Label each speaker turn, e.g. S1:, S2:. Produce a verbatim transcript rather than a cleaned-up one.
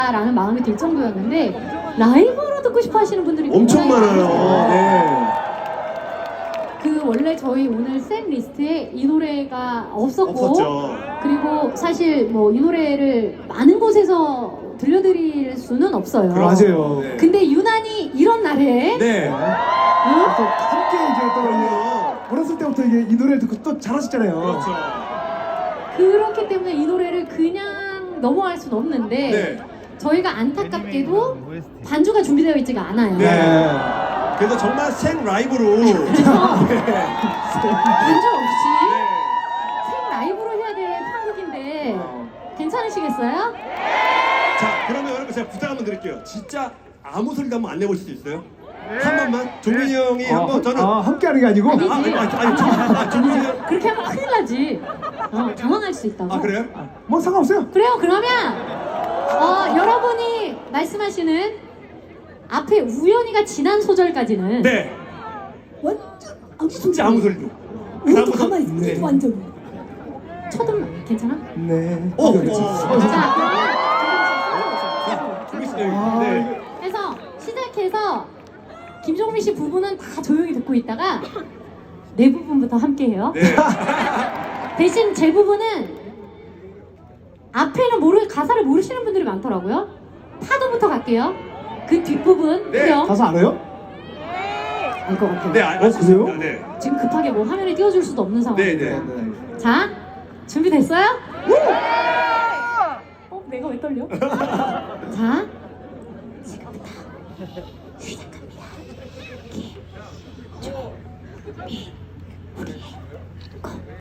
S1: 라는 마음이 들 정도였는데 라이브로 듣고 싶어 하시는 분들이
S2: 엄청 많아요. 네.
S1: 그 원래 저희 오늘 셋 리스트에 이 노래가 없었고
S2: 없었죠.
S1: 그리고 사실 뭐 이 노래를 많은 곳에서 들려드릴 수는 없어요.
S3: 맞아요.
S2: 네.
S1: 근데 유난히 이런 날에
S2: 네.
S1: 응?
S3: 또 함께 이제 또 이게
S2: 그럼요.
S3: 어렸을 때부터 이게 이 노래를 듣고 또 잘하셨잖아요.
S2: 그렇죠.
S1: 그렇기 때문에 이 노래를 그냥 넘어갈 수는 없는데
S2: 네.
S1: 저희가 안타깝게도 반주가 준비되어 있지가 않아요.
S2: 네. 그래서 정말 생 라이브로. 네.
S1: 그래서 반주 없이
S2: 네.
S1: 생 라이브로 해야 될 편곡인데 괜찮으시겠어요?
S2: 자, 그러면 여러분 제가 부탁 한번 드릴게요. 진짜 아무 소리도 한번 안 내볼 수도 있어요? 한 번만. 종민이 형이 한번 저는.
S3: 아, 함께 하는 게 아니고?
S1: 아니,
S2: 아, 아니, 아니, 아니, 종- 아, 종민이 형.
S1: 그렇게 하면 큰일 나지. 어, 당황할 수 있다고.
S2: 아, 그래요?
S3: 뭐 상관없어요.
S1: 그래요. 그러면 어, 여러분이 말씀하시는 앞에 우연히가 지난 소절까지는
S2: 네.
S1: 완전 아무
S2: 진짜 아무 소리도.
S1: 우리도 가만히 있어.
S2: 네.
S1: 완전. 첫음 괜찮아?
S3: 네.
S2: 어,
S3: 그렇지.
S2: 어.
S1: 자,
S2: 종민 씨,
S3: 아,
S2: 네.
S1: 그래서 시작해서 김종민 씨 부분은 다 조용히 듣고 있다가 내 부분부터 함께해요.
S2: 네.
S1: 대신 제 부분은 앞에는 모르 가사를 모르시는 분들이 많더라고요. 파도부터 갈게요. 그 뒷부분
S2: 네.
S1: 그래요?
S3: 가사 알아요?
S1: 알 것 같아요.
S2: 네, 알-
S3: 어, 그래요?
S2: 네.
S1: 지금 급하게 뭐 화면에 띄워줄 수도 없는 상황.
S2: 네, 네.
S1: 자, 준비됐어요? 어, 내가 왜 떨려? 자, 지금부터 시작합니다. 기, 조, 미, 우리의